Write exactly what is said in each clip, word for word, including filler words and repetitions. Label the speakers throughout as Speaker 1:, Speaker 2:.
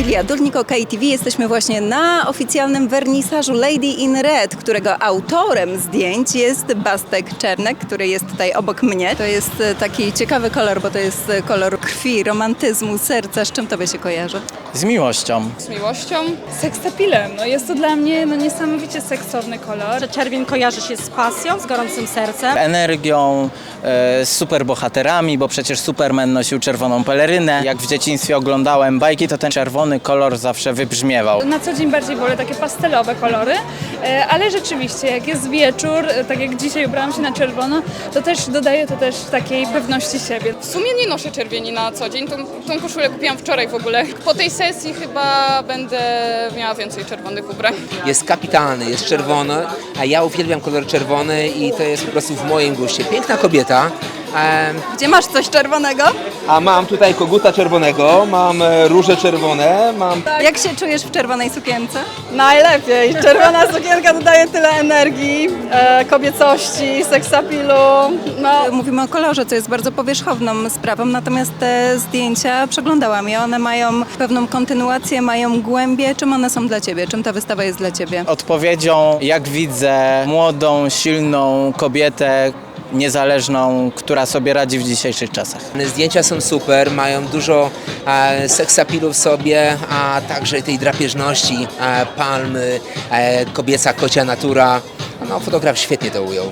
Speaker 1: Emilia Dulnik, K T V. Jesteśmy właśnie na oficjalnym wernisażu Lady in Red, którego autorem zdjęć jest Bastek Czernek, który jest tutaj obok mnie. To jest taki ciekawy kolor, bo to jest kolor krwi, romantyzmu, serca. Z czym tobie się kojarzy?
Speaker 2: Z miłością.
Speaker 3: Z miłością? Seksapilem. No jest to dla mnie no, niesamowicie seksowny kolor.
Speaker 4: Czerwień kojarzy się z pasją, z gorącym sercem.
Speaker 2: Energią, e, z superbohaterami, bo przecież Superman nosił czerwoną pelerynę. Jak w dzieciństwie oglądałem bajki, to ten czerwony kolor zawsze wybrzmiewał.
Speaker 3: Na co dzień bardziej wolę takie pastelowe kolory, e, ale rzeczywiście jak jest wieczór, e, tak jak dzisiaj ubrałam się na czerwono, to też dodaje to też takiej pewności siebie.
Speaker 5: W sumie nie noszę czerwieni na co dzień, tą, tą koszulę kupiłam wczoraj w ogóle. Po tej sesji chyba będę miała więcej czerwonych ubrań.
Speaker 6: Jest kapitalny, jest czerwony, a ja uwielbiam kolor czerwony i to jest po prostu w moim guście. Piękna kobieta. em,
Speaker 1: Gdzie masz coś czerwonego?
Speaker 6: A mam tutaj koguta czerwonego, mam e, róże czerwone, mam...
Speaker 1: Jak się czujesz w czerwonej sukience?
Speaker 7: Najlepiej. Czerwona sukienka dodaje tyle energii, e, kobiecości, seksapilu. No,
Speaker 1: Mówimy o kolorze, co jest bardzo powierzchowną sprawą, natomiast te zdjęcia przeglądałam i one mają pewną kontynuację, mają głębię. Czym one są dla ciebie? Czym ta wystawa jest dla ciebie?
Speaker 2: Odpowiedzią, jak widzę, młodą, silną kobietę, niezależną, która sobie radzi w dzisiejszych czasach.
Speaker 6: Zdjęcia są super, mają dużo e, seksapilu w sobie, a także tej drapieżności, e, palmy, e, kobieca kocia natura. No, fotograf świetnie to ujął.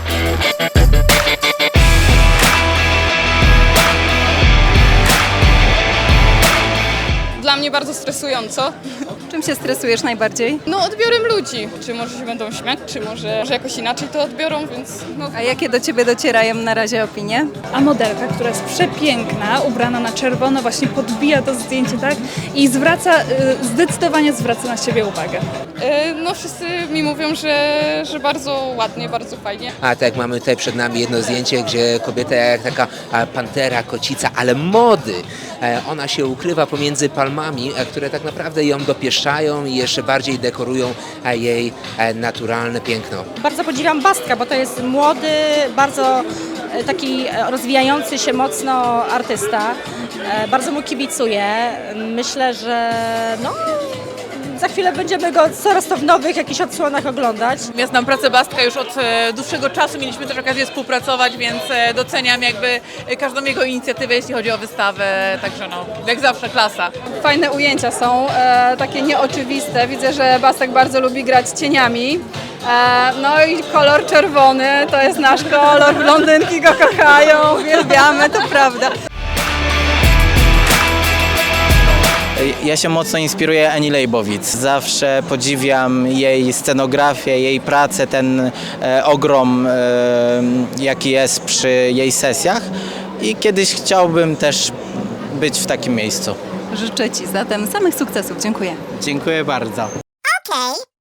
Speaker 5: Dla mnie bardzo stresująco.
Speaker 1: Czym się stresujesz najbardziej?
Speaker 5: No odbiorem ludzi. Czy może się będą śmiać, czy może, może jakoś inaczej to odbiorą, więc no.
Speaker 1: A jakie do ciebie docierają na razie opinie?
Speaker 3: A modelka, która jest przepiękna, ubrana na czerwono, właśnie podbija to zdjęcie, tak? I zwraca, y, zdecydowanie zwraca na siebie uwagę.
Speaker 5: E, no wszyscy mi mówią, że, że bardzo ładnie, bardzo fajnie.
Speaker 6: A tak, mamy tutaj przed nami jedno zdjęcie, gdzie kobieta jak taka e, pantera, kocica, ale mody. E, Ona się ukrywa pomiędzy palmami, e, które tak naprawdę ją dopieszczają i jeszcze bardziej dekorują e, jej e, naturalne piękno.
Speaker 4: Bardzo podziwiam Bastka, bo to jest młody, bardzo e, taki e, rozwijający się mocno artysta. E, Bardzo mu kibicuję. Myślę, że no, za chwilę będziemy go coraz to w nowych jakichś odsłonach oglądać.
Speaker 8: Ja znam pracę Bastka już od e, dłuższego czasu, mieliśmy też okazję współpracować, więc e, doceniam jakby e, każdą jego inicjatywę, jeśli chodzi o wystawę, także no, jak zawsze klasa.
Speaker 7: fajne ujęcia są, e, takie nieoczywiste. Widzę, że Bastek bardzo lubi grać cieniami. E, no i kolor czerwony to jest nasz kolor, blondynki go kochają, uwielbiamy, to prawda.
Speaker 2: Ja się mocno inspiruję Ani Leibowitz. Zawsze podziwiam jej scenografię, jej pracę, ten e, ogrom, e, jaki jest przy jej sesjach. I kiedyś chciałbym też być w takim miejscu.
Speaker 1: Życzę ci zatem samych sukcesów. Dziękuję.
Speaker 2: Dziękuję bardzo.
Speaker 9: Okay.